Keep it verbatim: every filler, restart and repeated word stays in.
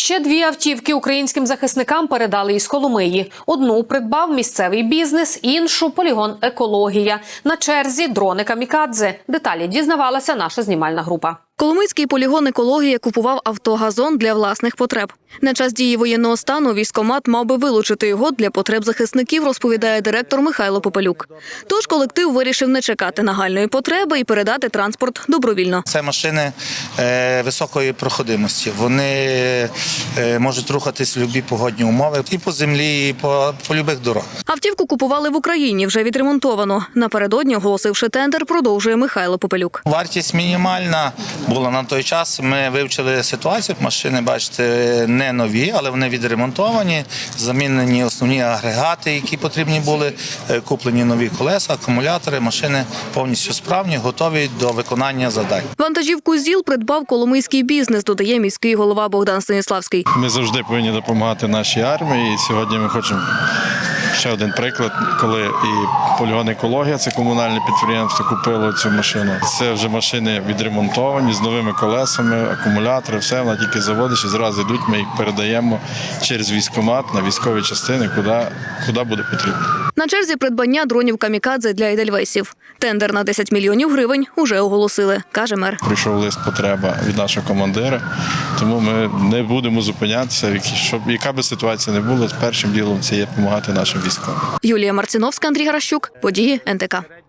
ще дві автівки українським захисникам передали із Коломиї. Одну придбав місцевий бізнес, іншу – полігон «Екологія». На черзі дрони «Камікадзе». Деталі дізнавалася наша знімальна група. Коломийський полігон «Екологія» купував автогазон для власних потреб. На час дії воєнного стану військкомат мав би вилучити його для потреб захисників, розповідає директор Михайло Попелюк. Тож колектив вирішив не чекати нагальної потреби і передати транспорт добровільно. Це машини е, високої проходимості. Вони е, можуть рухатись в будь-які погодні умови і по землі, і по, по будь-яких дорогах. Автівку купували в Україні, вже відремонтовано. Напередодні, оголосивши тендер, продовжує Михайло Попелюк. Вартість мінімальна була на той час. Ми вивчили ситуацію. Машини, бачите, не нові, але вони відремонтовані, замінені основні агрегати, які потрібні були, куплені нові колеса, акумулятори. Машини повністю справні, готові до виконання завдань. Вантажівку ЗІЛ придбав коломийський бізнес, додає міський голова Богдан Станіславський. Ми завжди повинні допомагати нашій армії. І сьогодні ми хочемо ще один приклад, коли і полігон «Екологія», це комунальне підприємство, купило цю машину. Це вже машини відремонтовані, з новими колесами, акумулятори, все, вона тільки заводиш і зразу йдуть, ми їх передаємо через військкомат на військові частини, куди, куди буде потрібно. На черзі придбання дронів «Камікадзе» для «Едельвейсів». Тендер на десять мільйонів гривень уже оголосили, каже мер. Прийшов лист потреба від нашого командира, тому ми не будемо зупинятися, щоб яка би ситуація не була, першим ділом це є допомагати нашим військовим. Юлія Марціновська, Андрій Гаращук, події ен те ка.